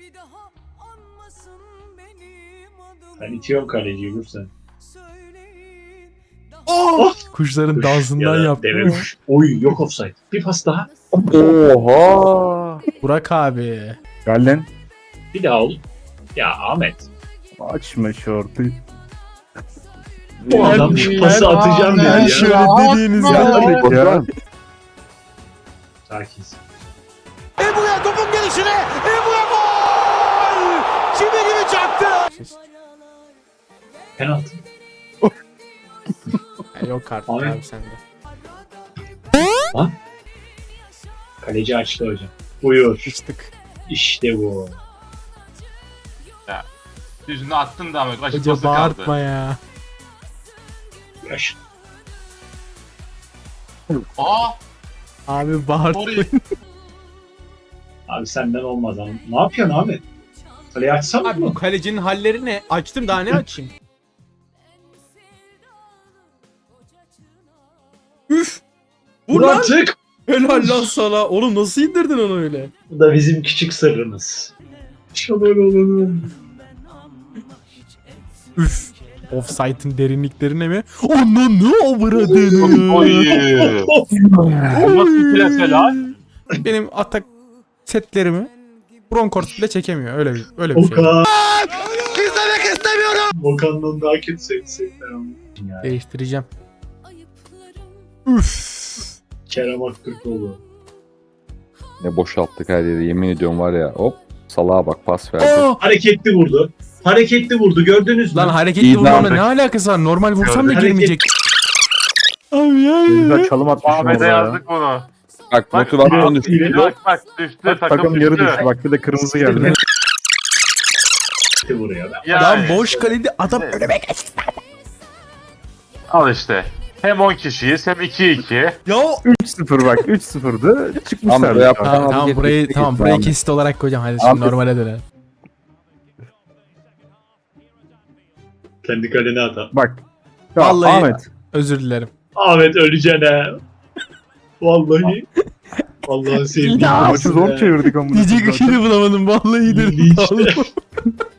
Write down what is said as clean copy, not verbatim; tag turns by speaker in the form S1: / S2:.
S1: Ben itiyorum kaleciyi vursan.
S2: Oh! Kuşların dansından
S1: Ya da
S2: yaptı.
S1: deve kuş. Oy yok offside. Bir pas daha.
S3: Oha.
S2: Burak abi.
S4: Gallen
S1: Bir daha ol. Ya Ahmet.
S4: açma şortu.
S1: Bu adam şu pası atacağım
S2: Ben
S1: dedi ya.
S2: şöyle dediğiniz
S4: Gelmedik
S2: gibi.
S4: ya.
S1: Sakinsin.
S5: Ebu'ya topun gelişine. Ebu'ya gol. Çivi gibi çaktı.
S1: Penaltı.
S2: Yok artık
S1: Abi.
S2: abi sende.
S1: Kaleci açtı hocam. Buyur.
S2: Sıçtık.
S1: İşte bu.
S3: Yüzünü attın da ama kaç
S2: Hoca
S3: pası kaldı.
S2: bağırtma ya.
S1: Yaş.
S3: Aa!
S2: Abi bağırtma.
S3: Orayı.
S1: Abi senden olmaz ama. Ne yapıyorsun Ahmet? Kaleyi açsam
S6: Abi bu
S1: mı?
S6: kalecinin halleri ne? Açtım daha ne açayım? Üf! Vur
S1: Vur
S6: lan!
S1: artık.
S6: Helal lan sana. Oğlum nasıl indirdin onu öyle?
S1: Bu da bizim küçük sırrımız. Şaman olalım.
S2: Üf. Offside'ın derinliklerine mi? Onun ne avradını?
S3: Oy! Bu nasıl plase lan?
S2: Benim atak setlerimi Broncourt bile çekemiyor. Öyle bir şey.
S1: Okan. Okan'dan daha kötü sevseydim. Yani.
S2: Değiştireceğim. Üf.
S1: Kerem Aktürkoğlu.
S7: Ne boşalttık her yeri, yemin ediyorum var ya, hop salağa bak, pas verdi.
S2: Oh!
S1: Hareketli vurdu. Hareketli vurdu gördünüz mü?
S2: Lan hareketli
S7: İyi
S2: vurmamla
S7: daldık.
S2: ne alakası var? Normal vursam da
S1: Gördüm.
S2: girmeyecek. Abi ya.
S4: Güzel çalım atmış
S3: Ahmet'e
S4: orada ya.
S3: yazdık bunu.
S7: Bak
S3: Bak,
S7: motivasyon düştü.
S3: Bak düştü,
S4: Takım yarı düştü. Bak bir de kırmızı geldi.
S1: Hareketli vuruyor.
S3: Yani,
S2: Lan boş kalede adam önüme geçti.
S3: al işte. Hem 10 kişiyiz hem 2-2.
S6: Ya
S4: 3-0 bak 3-0'dı.
S7: Tamam,
S4: Çıkmışlar.
S7: buraya-
S4: dışarı.
S2: Tamam burayı
S7: Kesinlikle
S2: tamam burayı
S7: Ahmet.
S2: kesit olarak koyacağım. Hadi şimdi
S7: Ahmet.
S2: normale dönelim.
S1: Kendi kalene atar.
S4: Bak. Ya
S2: Vallahi-
S4: Ahmet.
S2: Özür dilerim.
S1: Ahmet öleceksin ha. Vallahi. Vallahi sevdiğim.
S2: Ya,
S4: Maçı zor çevirdik ama.
S2: Diyecek bir şey de bulamadım. Vallahi
S1: Milli
S2: dedim.
S1: işte.